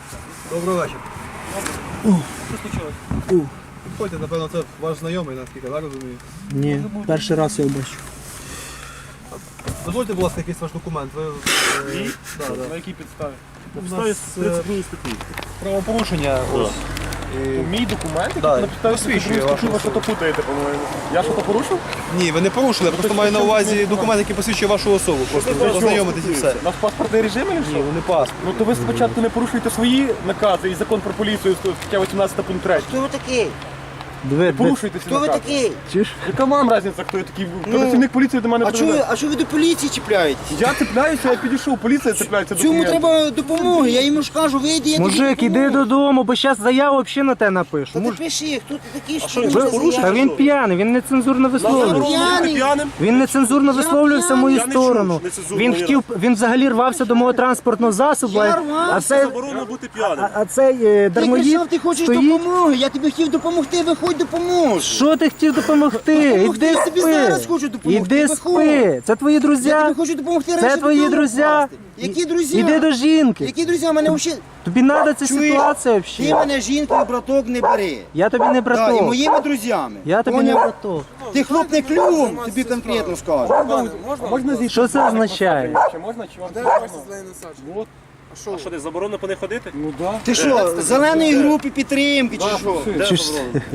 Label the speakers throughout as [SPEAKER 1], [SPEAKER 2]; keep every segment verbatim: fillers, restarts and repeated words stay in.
[SPEAKER 1] Доброго вечора. Що случилось? Ходьте, напевно, це ваш знайомий, наскільки, так розумію?
[SPEAKER 2] Ні, перший раз я бачу.
[SPEAKER 1] Дозвольте, будь ласка, якийсь ваш документ. Ви, е,
[SPEAKER 3] Ні?
[SPEAKER 1] да, да.
[SPEAKER 3] На якій підставі?
[SPEAKER 1] У
[SPEAKER 3] На
[SPEAKER 1] нас,
[SPEAKER 3] підставі тридцять другої статті.
[SPEAKER 1] правопорушення. Ось. І-
[SPEAKER 3] Мій документ, який
[SPEAKER 1] Да,
[SPEAKER 3] на підставі
[SPEAKER 1] посвідчує
[SPEAKER 3] тридцять другої статті,
[SPEAKER 1] вашу
[SPEAKER 3] ви що то путаєте, по-моєму. Я що то порушив?
[SPEAKER 1] Ні, ви не порушили, я просто маю на увазі документ, який посвідчує вашу особу. Просто ви познайомитесь і все.
[SPEAKER 3] У нас паспортний режим чи
[SPEAKER 1] Ні,
[SPEAKER 3] що?
[SPEAKER 1] вони паспорт.
[SPEAKER 3] Ну то ви спочатку не порушуєте свої накази і закон про поліцію, стаття вісімнадцята пункт три.
[SPEAKER 4] Хто ви такий?
[SPEAKER 2] Диви,
[SPEAKER 3] Порушуйте ці
[SPEAKER 4] Хто ви
[SPEAKER 3] накази.
[SPEAKER 4] такий?
[SPEAKER 2] чуєш?
[SPEAKER 3] Яка вам різниця, хто я такий? Працівник поліції до мене
[SPEAKER 4] А чого ви,
[SPEAKER 3] приведе.
[SPEAKER 4] а чого ви до поліції чіпляєтесь?
[SPEAKER 3] Я цепляюся, я підійшов, поліція цепляється до
[SPEAKER 4] Цьому
[SPEAKER 3] документів.
[SPEAKER 4] треба допомоги, я йому ж кажу, вийди, я тобі
[SPEAKER 2] Мужик, іди
[SPEAKER 4] допоможу.
[SPEAKER 2] додому, бо зараз заяву взагалі на те напишу.
[SPEAKER 4] Та ти
[SPEAKER 2] Муж...
[SPEAKER 4] пиши, хто ти такий, що
[SPEAKER 3] що,
[SPEAKER 4] ти
[SPEAKER 3] ви
[SPEAKER 4] можеш
[SPEAKER 3] порушили?
[SPEAKER 2] Та
[SPEAKER 4] заявити?
[SPEAKER 2] він п'яний, він нецензурно
[SPEAKER 4] Я
[SPEAKER 2] висловлювався.
[SPEAKER 4] п'яний.
[SPEAKER 3] П'яним?
[SPEAKER 2] Він нецензурно висловлювався в мою
[SPEAKER 3] Я не чув,
[SPEAKER 2] сторону.
[SPEAKER 3] нецензурно
[SPEAKER 2] Він
[SPEAKER 3] ні
[SPEAKER 2] хотів, він взагалі рвався до мого транспортного засобу,
[SPEAKER 4] Я
[SPEAKER 2] а-
[SPEAKER 4] рвався,
[SPEAKER 2] а цей,
[SPEAKER 3] Заборонено бути п'яним.
[SPEAKER 2] а, а цей е,
[SPEAKER 4] Ти
[SPEAKER 2] дармоїд
[SPEAKER 4] кричав, ти хочеш
[SPEAKER 2] стоїть.
[SPEAKER 4] допомоги, я тобі хотів допомогти, виходь, допоможу.
[SPEAKER 2] Що ти хотів допомогти?
[SPEAKER 4] Допомогти,
[SPEAKER 2] Іди
[SPEAKER 4] я тобі
[SPEAKER 2] спи.
[SPEAKER 4] зараз хочу допомогти,
[SPEAKER 2] Іди
[SPEAKER 4] виходь.
[SPEAKER 2] спи. Це твої друзі.
[SPEAKER 4] Я тобі хочу допомогти
[SPEAKER 2] Це
[SPEAKER 4] раніше
[SPEAKER 2] твої
[SPEAKER 4] додому
[SPEAKER 2] друзі.
[SPEAKER 4] попасти. Які друзі?
[SPEAKER 2] Іди до жінки.
[SPEAKER 4] Які друзі? Мене взагалі...
[SPEAKER 2] Тобі треба ця
[SPEAKER 4] Чуєш?
[SPEAKER 2] ситуація
[SPEAKER 4] Ти
[SPEAKER 2] взагалі.
[SPEAKER 4] мене жінкою, браток, не бери.
[SPEAKER 2] Я тобі не
[SPEAKER 4] Да, і
[SPEAKER 2] браток.
[SPEAKER 4] моїми друзями.
[SPEAKER 2] Я тобі не
[SPEAKER 4] Поняв?
[SPEAKER 2] браток.
[SPEAKER 4] Ти хлопне клювом, тобі конкретно скажу.
[SPEAKER 3] Можна зійти?
[SPEAKER 2] Що це означає?
[SPEAKER 3] Чи можна, чи вам не можна? А що, десь заборонено по них ходити? Ну так.
[SPEAKER 4] Ти що, з зеленої групи підтримки чи що?
[SPEAKER 2] Чи ж-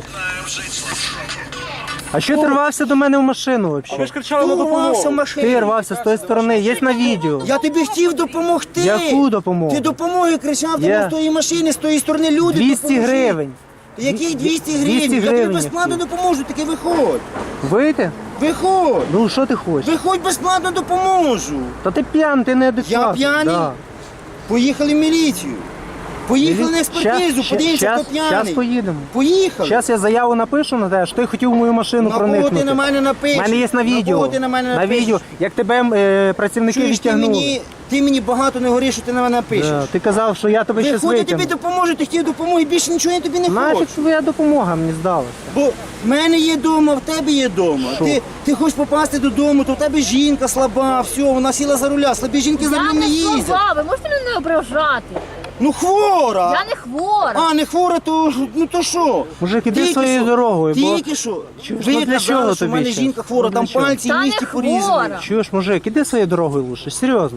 [SPEAKER 2] А що ти рвався до мене в машину
[SPEAKER 3] Ви
[SPEAKER 2] взагалі?
[SPEAKER 3] ж кричали на
[SPEAKER 4] Хто рвався в
[SPEAKER 3] допомогу.
[SPEAKER 4] машину?
[SPEAKER 2] Ти рвався з тої сторони, є на відео.
[SPEAKER 4] Я тобі хотів допомогти.
[SPEAKER 2] Яку допомогу?
[SPEAKER 4] Ти допомоги кричав, тому
[SPEAKER 2] Я-
[SPEAKER 4] з тої машини, з тої сторони люди
[SPEAKER 2] двісті
[SPEAKER 4] допоможи.
[SPEAKER 2] гривень.
[SPEAKER 4] Яких двісті гривень?
[SPEAKER 2] двісті
[SPEAKER 4] Я тобі
[SPEAKER 2] гривень
[SPEAKER 4] безплатно
[SPEAKER 2] я
[SPEAKER 4] допоможу, таки виходь.
[SPEAKER 2] Вийти?
[SPEAKER 4] Виходь.
[SPEAKER 2] Ну що ти хочеш?
[SPEAKER 4] Виходь, безплатно допоможу.
[SPEAKER 2] Та ти п'яний, ти неадекватний.
[SPEAKER 4] Я п'яний?
[SPEAKER 2] Да.
[SPEAKER 4] Поїхали в міліцію. Поїхали на експертизу,
[SPEAKER 2] Щас-
[SPEAKER 4] подивимося,
[SPEAKER 2] щас-
[SPEAKER 4] хто п'яний.
[SPEAKER 2] Щас поїдемо.
[SPEAKER 4] Поїхали.
[SPEAKER 2] Зараз я заяву напишу на те, що ти хотів в мою машину
[SPEAKER 4] На кого
[SPEAKER 2] проникнути.
[SPEAKER 4] ти на мене напишеш?
[SPEAKER 2] У мене є на
[SPEAKER 4] На
[SPEAKER 2] відео.
[SPEAKER 4] кого ти на мене
[SPEAKER 2] на
[SPEAKER 4] напишеш?
[SPEAKER 2] відео. Як тебе е, працівники
[SPEAKER 4] Чуєш, ти
[SPEAKER 2] відтягнули.
[SPEAKER 4] мені, ти мені багато не говориш, що ти на мене напишеш.
[SPEAKER 2] Да, ти казав, що я тебе щось
[SPEAKER 4] Виходь, я тобі
[SPEAKER 2] витягну.
[SPEAKER 4] допоможу, ти хотів допомоги, більше нічого я тобі не
[SPEAKER 2] Нафіг
[SPEAKER 4] хочу.
[SPEAKER 2] твоя допомога мені здалася.
[SPEAKER 4] Бо в мене є вдома, в тебе є вдома. Ти, ти хочеш попасти додому, то в тебе жінка слаба, все, вона сіла за руля. Слабі жінки за
[SPEAKER 5] Я
[SPEAKER 4] рулем не
[SPEAKER 5] не
[SPEAKER 4] їздять.
[SPEAKER 5] слаба, ви можете мене не ображати?
[SPEAKER 4] Ну хвора!
[SPEAKER 5] Я не хвора.
[SPEAKER 4] А, не хвора, то ж- ну то що?
[SPEAKER 2] Мужик, іди
[SPEAKER 4] Тільки
[SPEAKER 2] своєю
[SPEAKER 4] що-
[SPEAKER 2] дорогою, бо-
[SPEAKER 4] Тільки що.
[SPEAKER 2] Чуєш,
[SPEAKER 4] Ви
[SPEAKER 2] ну для чого
[SPEAKER 4] казали, що в
[SPEAKER 2] тобі
[SPEAKER 4] мене
[SPEAKER 2] ще?
[SPEAKER 4] жінка хвора,
[SPEAKER 2] Ну
[SPEAKER 4] там
[SPEAKER 2] для чого?
[SPEAKER 4] пальці
[SPEAKER 5] Та
[SPEAKER 4] в
[SPEAKER 5] не
[SPEAKER 4] місті порізані.
[SPEAKER 5] хвора.
[SPEAKER 2] Чуєш, мужик, іди своєю дорогою лучше, серйозно.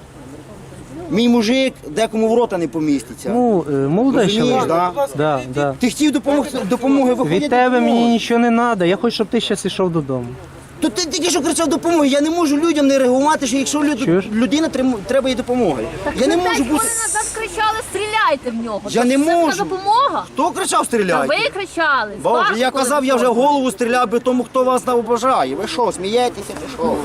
[SPEAKER 4] Мій мужик декому в рота не поміститься.
[SPEAKER 2] Ну, е, молодий
[SPEAKER 4] Розумієш,
[SPEAKER 2] чоловік.
[SPEAKER 4] да?
[SPEAKER 2] Да, да.
[SPEAKER 4] Ти хотів допомогти, допомоги, виходять
[SPEAKER 2] Від тебе
[SPEAKER 4] допомоги.
[SPEAKER 2] мені нічого не треба, я хочу, щоб ти зараз йшов додому.
[SPEAKER 4] То ти тільки що кричав допомоги. Я не можу людям не реагувати, що якщо люд...
[SPEAKER 2] Чуєш?
[SPEAKER 4] людина трим- треба їй допомоги. Я не
[SPEAKER 5] Ви
[SPEAKER 4] можу
[SPEAKER 5] п'ять
[SPEAKER 4] бути.
[SPEAKER 5] хвилин назад кричали, стріляйте в нього.
[SPEAKER 4] Я
[SPEAKER 5] Це
[SPEAKER 4] не
[SPEAKER 5] ж це
[SPEAKER 4] можу.
[SPEAKER 5] допомога.
[SPEAKER 4] Хто кричав
[SPEAKER 5] А
[SPEAKER 4] стріляйте?
[SPEAKER 5] ви кричали. з
[SPEAKER 4] Боже,
[SPEAKER 5] вашого
[SPEAKER 4] я казав, я вже
[SPEAKER 5] телефону.
[SPEAKER 4] голову стріляв би тому, хто вас не обожає. Ви що, смієтеся чи що?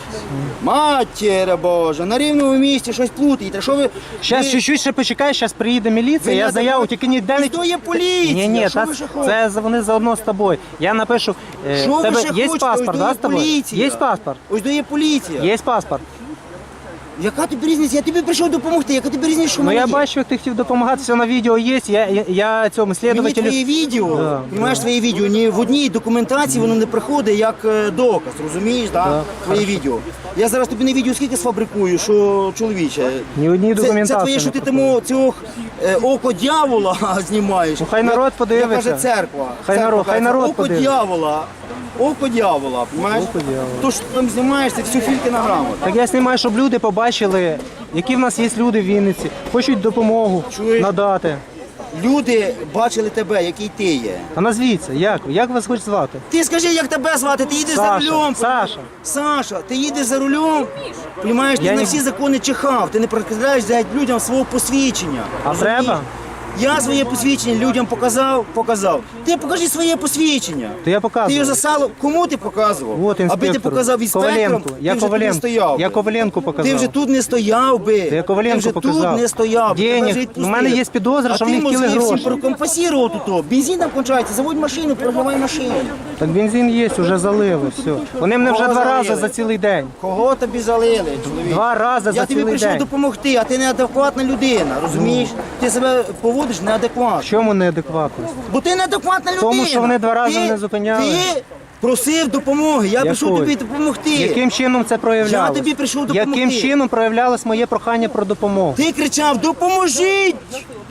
[SPEAKER 4] Матіре Боже, на рівному місці щось плутаєте. Що ви...
[SPEAKER 2] Зараз
[SPEAKER 4] ви-
[SPEAKER 2] чуть-чуть ще почекай, зараз приїде міліція,
[SPEAKER 4] ви
[SPEAKER 2] я
[SPEAKER 4] не
[SPEAKER 2] заяву,
[SPEAKER 4] адекват-
[SPEAKER 2] тільки ніде не...
[SPEAKER 4] Ось то є поліція,
[SPEAKER 2] Ні, ні,
[SPEAKER 4] що
[SPEAKER 2] та,
[SPEAKER 4] ви ще хочете?
[SPEAKER 2] це за- вони заодно з тобою. Я напишу, е,
[SPEAKER 4] Що
[SPEAKER 2] в
[SPEAKER 4] ви
[SPEAKER 2] тебе
[SPEAKER 4] ще
[SPEAKER 2] є
[SPEAKER 4] хочете?
[SPEAKER 2] паспорт,
[SPEAKER 4] Ось
[SPEAKER 2] да,
[SPEAKER 4] то
[SPEAKER 2] з тобою?
[SPEAKER 4] поліція.
[SPEAKER 2] Є паспорт?
[SPEAKER 4] Ось то є поліція.
[SPEAKER 2] Є паспорт.
[SPEAKER 4] Яка тобі різниця? Я тобі прийшов допомогти, яка тобі різниця, що в
[SPEAKER 2] Ну
[SPEAKER 4] мене
[SPEAKER 2] я
[SPEAKER 4] є?
[SPEAKER 2] бачу, як ти хотів допомагати, все на відео є, я, я, я цьому
[SPEAKER 4] Мені
[SPEAKER 2] слідователю...
[SPEAKER 4] твоє відео,
[SPEAKER 2] Да,
[SPEAKER 4] розумієш, твоє відео, ні в одній документації воно не приходить як е, доказ, розумієш, да?
[SPEAKER 2] Да,
[SPEAKER 4] Твоє відео. Я зараз тобі на відео скільки сфабрикую, що чоловіче.
[SPEAKER 2] Ні в одній
[SPEAKER 4] Це, це
[SPEAKER 2] документації
[SPEAKER 4] твоє, що
[SPEAKER 2] не
[SPEAKER 4] ти
[SPEAKER 2] приходить.
[SPEAKER 4] тому цього е, око дьявола знімаєш.
[SPEAKER 2] Ну, хай народ
[SPEAKER 4] Як-
[SPEAKER 2] подивиться.
[SPEAKER 4] Як каже церква.
[SPEAKER 2] Хай
[SPEAKER 4] Церква
[SPEAKER 2] народ-
[SPEAKER 4] каже,
[SPEAKER 2] хай народ
[SPEAKER 4] око
[SPEAKER 2] подивиться.
[SPEAKER 4] дьявола. Око дьявола, розумієш?
[SPEAKER 2] Око дьявола.
[SPEAKER 4] То, що ти там знімаєш, це всю фільки грамоту.
[SPEAKER 2] Так я знімаю, щоб люди побачили, які в нас є люди в Вінниці, хочуть допомогу
[SPEAKER 4] Чуєш?
[SPEAKER 2] надати.
[SPEAKER 4] Люди бачили тебе, який ти є.
[SPEAKER 2] А назвіться, як? Як вас хоч звати?
[SPEAKER 4] Ти скажи, як тебе звати, ти їдеш за
[SPEAKER 2] Саша,
[SPEAKER 4] рулем.
[SPEAKER 2] Саша.
[SPEAKER 4] Саша, ти їдеш за рулем, розумієш, ти
[SPEAKER 2] Я
[SPEAKER 4] на
[SPEAKER 2] не-
[SPEAKER 4] всі закони чихав, ти не прикладаєш взяти людям свого посвідчення.
[SPEAKER 2] А
[SPEAKER 4] розумієш?
[SPEAKER 2] треба?
[SPEAKER 4] Я своє посвідчення людям показав, показав. Ти покажи своє посвідчення.
[SPEAKER 2] То я
[SPEAKER 4] Ти
[SPEAKER 2] показую.
[SPEAKER 4] його засало, кому ти показував?
[SPEAKER 2] От
[SPEAKER 4] Аби ти
[SPEAKER 2] інспектор.
[SPEAKER 4] показав інспекторам,
[SPEAKER 2] Коваленко.
[SPEAKER 4] ти
[SPEAKER 2] Я
[SPEAKER 4] вже тут не
[SPEAKER 2] Коваленко.
[SPEAKER 4] стояв.
[SPEAKER 2] Я
[SPEAKER 4] би.
[SPEAKER 2] Коваленко показав.
[SPEAKER 4] Ти вже тут не стояв би.
[SPEAKER 2] Я Коваленко
[SPEAKER 4] ти вже
[SPEAKER 2] показав.
[SPEAKER 4] тут не стояв. би.
[SPEAKER 2] Денег.
[SPEAKER 4] Тебе вже
[SPEAKER 2] У
[SPEAKER 4] відпустили.
[SPEAKER 2] мене є підозра, що
[SPEAKER 4] а
[SPEAKER 2] вони
[SPEAKER 4] ти
[SPEAKER 2] хотіли
[SPEAKER 4] мозги всім
[SPEAKER 2] гроші.
[SPEAKER 4] прокомпасірував тут. Бензин там кончається, заводь машину, програвай машину.
[SPEAKER 2] Так бензин є, вже залили, все. Вони мене вже
[SPEAKER 4] Кого
[SPEAKER 2] два рази
[SPEAKER 4] залили?
[SPEAKER 2] за цілий день.
[SPEAKER 4] Кого тобі залили, чоловік?
[SPEAKER 2] Два рази
[SPEAKER 4] Я
[SPEAKER 2] за
[SPEAKER 4] тобі
[SPEAKER 2] цілий
[SPEAKER 4] прийшов
[SPEAKER 2] день.
[SPEAKER 4] допомогти, а ти неадекватна людина, розумієш? Ти себе поводиш
[SPEAKER 2] В
[SPEAKER 4] неадекватно.
[SPEAKER 2] чому неадекватність?
[SPEAKER 4] Бо ти неадекватна людина.
[SPEAKER 2] Тому, що вони два рази
[SPEAKER 4] Ти-
[SPEAKER 2] мене зупиняли.
[SPEAKER 4] Ти просив допомоги, я прийшов
[SPEAKER 2] Якої?
[SPEAKER 4] тобі допомогти.
[SPEAKER 2] Яким чином це проявлялось?
[SPEAKER 4] Я тобі прийшов допомогти.
[SPEAKER 2] Яким чином проявлялось моє прохання про допомогу?
[SPEAKER 4] Ти кричав, допоможіть!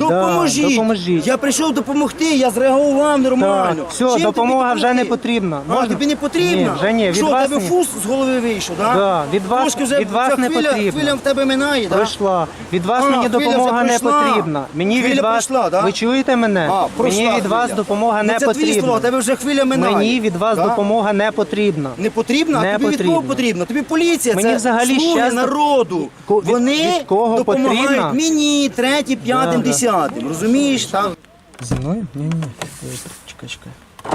[SPEAKER 4] Допоможіть.
[SPEAKER 2] допоможіть.
[SPEAKER 4] Я прийшов допомогти, я зреагував нормально.
[SPEAKER 2] Так, все,
[SPEAKER 4] Чим тобі
[SPEAKER 2] допомога вже
[SPEAKER 4] допомогти?
[SPEAKER 2] не потрібна.
[SPEAKER 4] А,
[SPEAKER 2] Можна?
[SPEAKER 4] тобі не потрібно?
[SPEAKER 2] Ні, вже ні. Від
[SPEAKER 4] Що, у
[SPEAKER 2] вас
[SPEAKER 4] тебе
[SPEAKER 2] ні.
[SPEAKER 4] фус з голови вийшов, так?
[SPEAKER 2] Да, від вас-
[SPEAKER 4] Трошки вже
[SPEAKER 2] від вас
[SPEAKER 4] ця
[SPEAKER 2] не
[SPEAKER 4] хвиля,
[SPEAKER 2] потрібно.
[SPEAKER 4] хвиля в тебе минає, так?
[SPEAKER 2] Пройшла. Від вас
[SPEAKER 4] А,
[SPEAKER 2] мені
[SPEAKER 4] хвиля вже
[SPEAKER 2] допомога не
[SPEAKER 4] пройшла.
[SPEAKER 2] потрібна. Мені
[SPEAKER 4] Хвиля
[SPEAKER 2] від вас.
[SPEAKER 4] пройшла, да?
[SPEAKER 2] Ви чуєте мене?
[SPEAKER 4] А, пройшла
[SPEAKER 2] Мені від вас
[SPEAKER 4] хвиля.
[SPEAKER 2] допомога
[SPEAKER 4] Ну,
[SPEAKER 2] не
[SPEAKER 4] це твої слова,
[SPEAKER 2] потрібна.
[SPEAKER 4] у тебе вже хвиля минає.
[SPEAKER 2] Мені від вас
[SPEAKER 4] Да?
[SPEAKER 2] допомога не потрібна.
[SPEAKER 4] Не потрібно?
[SPEAKER 2] Не
[SPEAKER 4] А тобі від
[SPEAKER 2] потрібно.
[SPEAKER 4] кого потрібно? Тобі поліція,
[SPEAKER 2] Мені
[SPEAKER 4] це
[SPEAKER 2] взагалі
[SPEAKER 4] слуги
[SPEAKER 2] щас-
[SPEAKER 4] народу.
[SPEAKER 2] Ко- від-
[SPEAKER 4] Вони
[SPEAKER 2] від кого
[SPEAKER 4] допомагають
[SPEAKER 2] потрібно?
[SPEAKER 4] мені, третім, п'ятим,
[SPEAKER 2] Да, да.
[SPEAKER 4] десятим. Розумієш? Так.
[SPEAKER 2] Зі мною? Ні, ні. Чекай, чекай.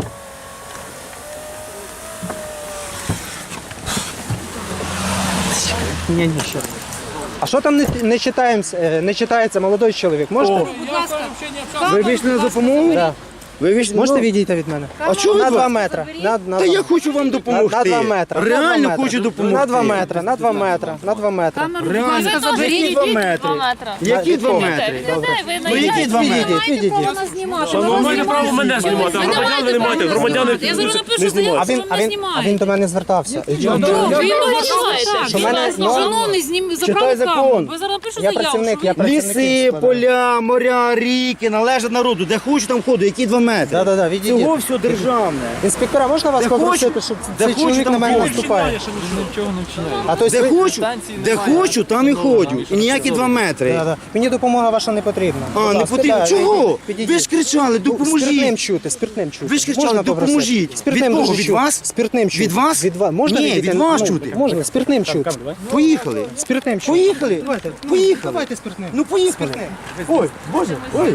[SPEAKER 2] Ні, ні, ще. А що там не, не, читаємось, е, не читається, молодий чоловік? Можете?
[SPEAKER 4] Ви вийшли на допомогу?
[SPEAKER 2] Да.
[SPEAKER 4] Ви вийшли
[SPEAKER 2] Можете
[SPEAKER 4] ну,
[SPEAKER 2] відійти від мене?
[SPEAKER 4] А чого ви
[SPEAKER 2] На
[SPEAKER 4] два-
[SPEAKER 2] два метри. На, на
[SPEAKER 4] Та
[SPEAKER 2] два.
[SPEAKER 4] я хочу вам
[SPEAKER 2] на,
[SPEAKER 4] допомогти.
[SPEAKER 2] на два метри. на
[SPEAKER 4] Реально
[SPEAKER 2] два метри.
[SPEAKER 4] хочу допомогти.
[SPEAKER 2] На два метри, на два метри, на два метри.
[SPEAKER 4] Реально. Які два метри? Які два метри? Ну які два метри?
[SPEAKER 2] Відійдіть, відійдіть.
[SPEAKER 3] Ви маєте право мене знімати, а громадяни не маєте. Громадяни
[SPEAKER 6] Я зараз напишу
[SPEAKER 3] не
[SPEAKER 6] заяву,
[SPEAKER 2] А
[SPEAKER 3] знімають.
[SPEAKER 6] що
[SPEAKER 2] він,
[SPEAKER 6] ви
[SPEAKER 2] а
[SPEAKER 6] мене
[SPEAKER 2] він, а він
[SPEAKER 6] знімаєте.
[SPEAKER 2] до мене звертався. І чого?
[SPEAKER 6] Ну, ви його знімаєте.
[SPEAKER 2] Що мене- ну,
[SPEAKER 6] Шановний, знім,
[SPEAKER 4] Читай
[SPEAKER 6] забрали
[SPEAKER 4] закон.
[SPEAKER 6] камеру. Ви зараз напишу
[SPEAKER 2] Я
[SPEAKER 6] заяву,
[SPEAKER 2] працівник,
[SPEAKER 6] що
[SPEAKER 2] я
[SPEAKER 6] ви...
[SPEAKER 2] працівник.
[SPEAKER 4] Ліси, поля, моря, ріки належать народу. Де хочу, там ходу. Які два метри?
[SPEAKER 2] Да-да-да, відійдіть.
[SPEAKER 4] Цього все державне.
[SPEAKER 2] Інспектора, можна вас
[SPEAKER 4] Де
[SPEAKER 2] попросити,
[SPEAKER 4] хочу,
[SPEAKER 2] щоб
[SPEAKER 4] де
[SPEAKER 2] цей
[SPEAKER 4] хочу,
[SPEAKER 2] чоловік
[SPEAKER 4] там
[SPEAKER 2] на мене
[SPEAKER 4] ходжу.
[SPEAKER 2] наступає? А то
[SPEAKER 4] Де
[SPEAKER 2] ви...
[SPEAKER 4] хочу, де хочу, там і ходжу. І ніякі два метри.
[SPEAKER 2] Да, да. Мені допомога ваша не потрібна.
[SPEAKER 4] А,
[SPEAKER 2] Будь
[SPEAKER 4] не
[SPEAKER 2] ласка,
[SPEAKER 4] потрібно.
[SPEAKER 2] да,
[SPEAKER 4] Чого?
[SPEAKER 2] підійдіть.
[SPEAKER 4] Ви ж кричали,
[SPEAKER 2] Спиртним
[SPEAKER 4] допоможіть.
[SPEAKER 2] чути, спиртним чути.
[SPEAKER 4] Ви ж кричали,
[SPEAKER 2] Можна попросити?
[SPEAKER 4] допоможіть.
[SPEAKER 2] Спиртним
[SPEAKER 4] Від кого?
[SPEAKER 2] дуже
[SPEAKER 4] Від
[SPEAKER 2] чути.
[SPEAKER 4] вас?
[SPEAKER 2] Спиртним чути.
[SPEAKER 4] Від вас?
[SPEAKER 2] Від вас. Можна
[SPEAKER 4] Ні,
[SPEAKER 2] відійти?
[SPEAKER 4] від вас
[SPEAKER 2] Ну,
[SPEAKER 4] чути.
[SPEAKER 2] Можна, спиртним чути.
[SPEAKER 4] Поїхали.
[SPEAKER 2] Спиртним чути.
[SPEAKER 4] Поїхали.
[SPEAKER 2] Давайте,
[SPEAKER 4] Поїхали.
[SPEAKER 2] Давайте спиртним.
[SPEAKER 4] Ну поїхали. Ой, Боже, ой.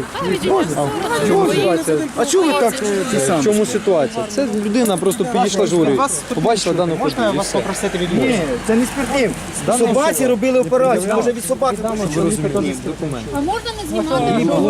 [SPEAKER 4] А чого ви так е, ті самі?
[SPEAKER 1] В чому ситуація? Це людина просто підійшла журі. Побачила дану
[SPEAKER 2] Можна
[SPEAKER 1] подію.
[SPEAKER 2] вас попросити відмовити?
[SPEAKER 4] Ні, це не спиртним. Собаці робили операцію, може від собаки розуміємо.
[SPEAKER 5] А можна не знімати?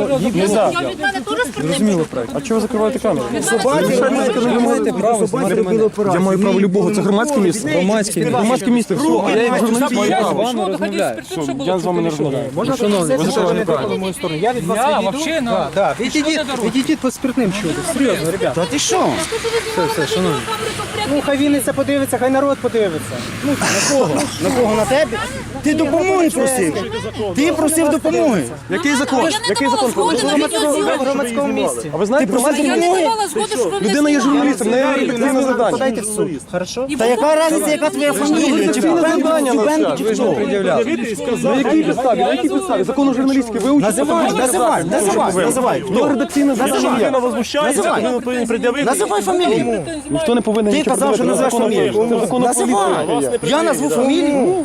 [SPEAKER 5] Я від мене теж спиртним.
[SPEAKER 3] А чого ви закриваєте камеру?
[SPEAKER 4] Собаці робили
[SPEAKER 1] право
[SPEAKER 4] собаці робили операцію.
[SPEAKER 3] Я маю право любого, це громадське місце.
[SPEAKER 1] Громадське місце.
[SPEAKER 3] Громадське місце.
[SPEAKER 1] А я як журналіст маю
[SPEAKER 3] Я
[SPEAKER 1] право.
[SPEAKER 3] з вами розмовляю. Я з вами не розмовляю.
[SPEAKER 2] Можна
[SPEAKER 1] шановні,
[SPEAKER 2] попросити,
[SPEAKER 1] ви
[SPEAKER 2] щоб ви не
[SPEAKER 1] неправильно.
[SPEAKER 2] тикали в мою сторону? Я від вас
[SPEAKER 7] Я
[SPEAKER 2] відійду.
[SPEAKER 7] вообще, ну,
[SPEAKER 2] Да, да. Відійдіть, відійдіть по спиртним чути. Серйозно, ребята.
[SPEAKER 4] Та ти що?
[SPEAKER 5] Все, все, шановні.
[SPEAKER 2] Ну, хай Вінниця подивиться, хай народ подивиться. Ну,
[SPEAKER 4] На кого? На кого? На тебе? Ти допомоги просив. Ти просив допомоги.
[SPEAKER 3] Який закон?
[SPEAKER 6] Я не
[SPEAKER 3] Який
[SPEAKER 6] давала
[SPEAKER 3] закон?
[SPEAKER 6] згоди на
[SPEAKER 2] в
[SPEAKER 6] відеозйомку.
[SPEAKER 2] громадському місці.
[SPEAKER 3] А ви знаєте, громадське
[SPEAKER 6] Я не
[SPEAKER 3] місце?
[SPEAKER 6] давала згоди, щоб ви мене
[SPEAKER 3] Людина є
[SPEAKER 6] знімали.
[SPEAKER 3] журналістом, не ефективне завдання.
[SPEAKER 2] Подайте в суд. Хорошо?
[SPEAKER 4] Та яка різниця, яка твоя фамілія? Чи
[SPEAKER 3] завдання
[SPEAKER 4] Чубенко, чи
[SPEAKER 3] ви ж не
[SPEAKER 4] хто?
[SPEAKER 3] пред'являли. На якій підставі? На якій підставі? Закону журналістики ви учите?
[SPEAKER 4] Називай, називай, називай, називай.
[SPEAKER 3] Ну, редакційна
[SPEAKER 4] Називай.
[SPEAKER 3] людина возмущається,
[SPEAKER 4] Називай.
[SPEAKER 3] ви повинні пред'явити.
[SPEAKER 4] Називай фамілію.
[SPEAKER 3] Ніхто не повинен
[SPEAKER 4] Ти
[SPEAKER 3] нічого
[SPEAKER 4] казав, що
[SPEAKER 3] пред'явити.
[SPEAKER 4] назвеш
[SPEAKER 3] Це
[SPEAKER 4] фамілію.
[SPEAKER 3] закон про
[SPEAKER 4] Називай.
[SPEAKER 3] поліцію.
[SPEAKER 4] Я назву фамілію.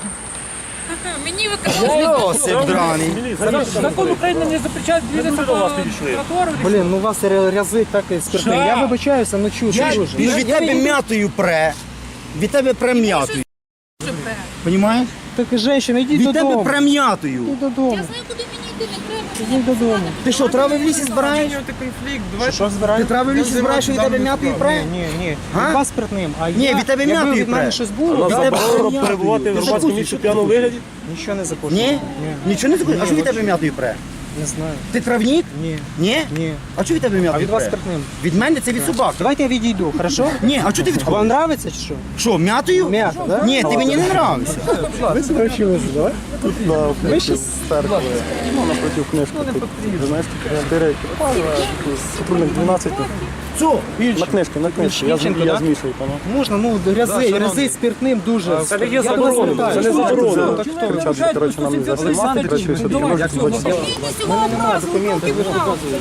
[SPEAKER 6] Мені ви казали,
[SPEAKER 4] Йосип драний.
[SPEAKER 7] Закон України не запрещає двигатися по тротуару.
[SPEAKER 2] Блін, ну вас рязить так і спиртним. Я вибачаюся, ну чую,
[SPEAKER 4] Я,
[SPEAKER 2] чую.
[SPEAKER 4] ну, від тебе м'ятою пре. Від тебе пре м'ятою. Понімаєш?
[SPEAKER 2] Так, женщина, йдіть
[SPEAKER 4] Від тебе
[SPEAKER 2] додому.
[SPEAKER 4] пре м'ятою.
[SPEAKER 2] Йдіть додому.
[SPEAKER 6] я знаю, куди мені йти, не треба.
[SPEAKER 2] Йдіть додому.
[SPEAKER 4] Ти що, трави в лісі збираєш?
[SPEAKER 2] Що
[SPEAKER 4] Ти
[SPEAKER 2] збираєте?
[SPEAKER 4] трави в лісі збираєш, що від тебе м'ятою пре?
[SPEAKER 2] Ні, ні.
[SPEAKER 4] А?
[SPEAKER 2] Від вас спиртним. А
[SPEAKER 4] Ні,
[SPEAKER 2] я,
[SPEAKER 4] від тебе
[SPEAKER 2] якби
[SPEAKER 4] м'ятою
[SPEAKER 2] від мене
[SPEAKER 4] пре.
[SPEAKER 2] щось було,
[SPEAKER 4] Від
[SPEAKER 2] я
[SPEAKER 4] тебе
[SPEAKER 2] б-
[SPEAKER 4] пре
[SPEAKER 3] Перебувати в
[SPEAKER 4] м'ятою.
[SPEAKER 3] громадському місці в п'яному вигляді?
[SPEAKER 2] нічого не закажу.
[SPEAKER 4] Ні? Нічого не закон. А що від тебе м'ятою пре?
[SPEAKER 2] Не знаю.
[SPEAKER 4] Ти травнік?
[SPEAKER 2] Ні.
[SPEAKER 4] Ні?
[SPEAKER 2] Ні.
[SPEAKER 4] А що від тебе
[SPEAKER 2] А
[SPEAKER 4] м'ятою
[SPEAKER 2] від вас
[SPEAKER 4] пре?
[SPEAKER 2] спиртним.
[SPEAKER 4] Від мене це від собак.
[SPEAKER 2] Давайте я відійду, хорошо?
[SPEAKER 4] Ні, а чого ти
[SPEAKER 2] А
[SPEAKER 4] відходиш?
[SPEAKER 2] вам нравиться чи що?
[SPEAKER 4] Що, м'ятою?
[SPEAKER 2] М'ята, да?
[SPEAKER 4] Ні, ти мені не нравишся.
[SPEAKER 2] Ви себе вчилися, давай?
[SPEAKER 3] Ви ще стеркли. Ну, напротив книжки. Ви знаєте, чотири сотрудник дванадцять.
[SPEAKER 4] Що?
[SPEAKER 3] На книжки, на книжки. Я,
[SPEAKER 2] Ільченко,
[SPEAKER 3] я
[SPEAKER 2] да?
[SPEAKER 3] змішую, пане.
[SPEAKER 2] Можна, ну, грязи, грязи спиртним дуже.
[SPEAKER 3] Це не є
[SPEAKER 2] Я до вас
[SPEAKER 3] заборонено,
[SPEAKER 2] звертаюся.
[SPEAKER 3] це не заборонено.
[SPEAKER 2] Так хто ви?
[SPEAKER 3] Кричати, коротше, нам не заснімати, коротше, що таке можна побачити.
[SPEAKER 2] У мене немає документів, ви ж доказуєте.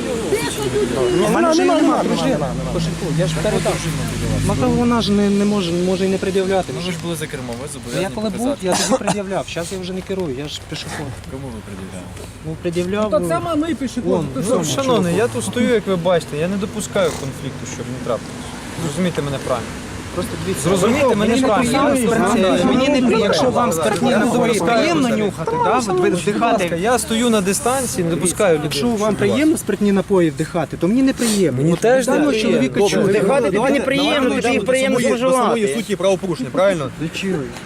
[SPEAKER 2] У мене вже немає дружина. Кошельку, я ж передав. Ну, то вона ж не, не може, може і не пред'являти.
[SPEAKER 7] Ви ж були за кермом, ви
[SPEAKER 2] Я
[SPEAKER 7] зобов'язані
[SPEAKER 2] коли був,
[SPEAKER 7] показати.
[SPEAKER 2] я тоді пред'являв. Зараз я вже не керую, я ж пішоход.
[SPEAKER 7] Кому ви пред'являли?
[SPEAKER 2] Ну, пред'являв. Так само ми пішоход.
[SPEAKER 1] Шановний, я тут стою, як ви бачите, я не допускаю конфлікту, щоб не трапилось. Зрозумійте мене правильно.
[SPEAKER 2] Просто дивіться.
[SPEAKER 1] Зрозумійте мене
[SPEAKER 2] Мені
[SPEAKER 1] правильно.
[SPEAKER 2] неприємно спиртні- Мені не приємно, якщо вам спиртні напої приємно нюхати, да, ви
[SPEAKER 1] Будь ласка,
[SPEAKER 2] вдихати.
[SPEAKER 1] я стою на дистанції, не допускаю людей.
[SPEAKER 2] Якщо вам приємно спиртні напої вдихати, то мені неприємно. Мені
[SPEAKER 1] теж
[SPEAKER 2] даного
[SPEAKER 1] неприємно.
[SPEAKER 2] чоловіка
[SPEAKER 1] Добре,
[SPEAKER 2] чую.
[SPEAKER 4] Вдихати тобі неприємно, тобі їх приємно
[SPEAKER 1] По самої
[SPEAKER 4] споживати.
[SPEAKER 1] суті правопорушення, правильно?
[SPEAKER 2] Зачили.